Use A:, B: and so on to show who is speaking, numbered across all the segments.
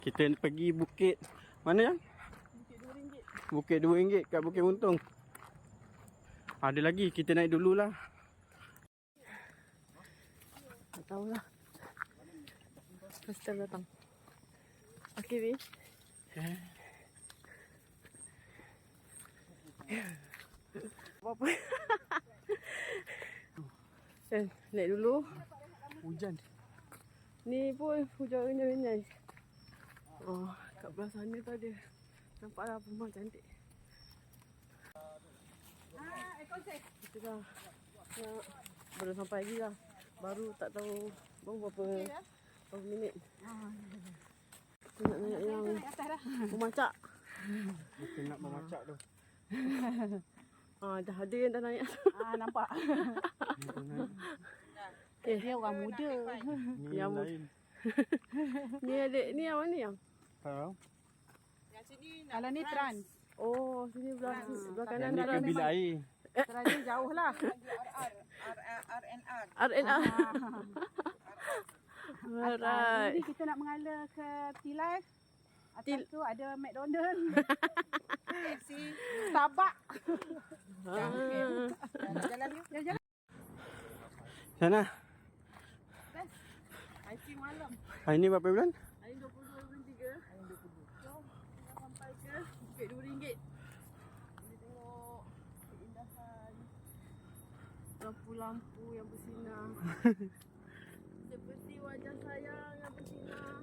A: Kita pergi bukit. Mana yang? Bukit RM2 kat Bukit Untung. Ada lagi, kita naik dululah.
B: Tak tahulah. First time datang. Okay, Bi. Apa-apa. Naik dulu.
A: Hujan.
B: Ni pun hujan renyai-renyai. Oh, kat belah sana tu ada. Nampaklah rumah cantik. Kita dah nak baru sampai lagi lah. Baru tak tahu berapa minit. Kita nak naik yang memacak.
A: Kita nak memacak tu.
B: Dah ada yang dah naik.
C: Nampak.
B: Okay.
C: Dia orang muda.
A: Ni yang lain.
B: Ni adik, ni yang mana yang?
A: Tahu?
C: Kalau ni trans.
B: Oh, sini belah kanan.
A: Yang ni ke bilik air.
C: Trans ni jauh lah.
B: RNR. Alright.
C: Ni kita nak mengalir ke T-Life. Atas tu ada McDonald. Starbucks. Jalan yuk. Jalan.
A: Sana.
C: Hiking malam.
A: Hari ni berapa bulan?
B: Hari 22 bulan 3. Hari 22. Jom kita sampai ke Bukit RM2. Boleh tengok keindahan lampu-lampu yang bersinar. Seperti wajah sayang yang bersinar.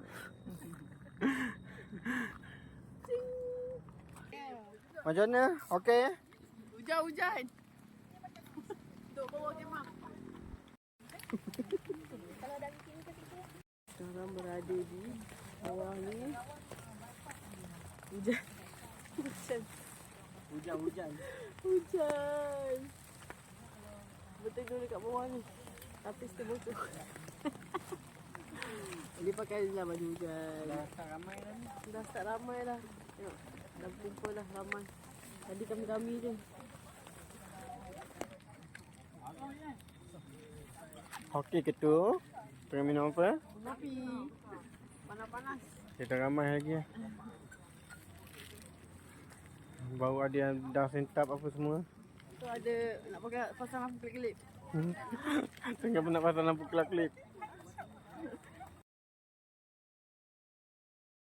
A: Macam mana? Okey?
B: Hujan-hujan. Duduk bawah kemah. Sekarang berada di bawah ni. Hujan.
A: Hujan.
B: Hujan. Berteduh dekat bawah ni. Tapi still bocor. Dia pakai je lah baju hujan.
A: Dah start ramai dah ni.
B: Dah start ramai dah. Tengok. Dah kumpul dah ramai. Tadi kami-kami je.
A: Okey ke tu? Tengah minum apa?
B: Kopi. Panas-panas.
A: Kita ramai lagi lah. Baru ada yang dah sentap apa semua.
B: Tu ada nak pakai pasang lampu kelip-kelip.
A: Tengah nak pasang lampu kelap-kelip.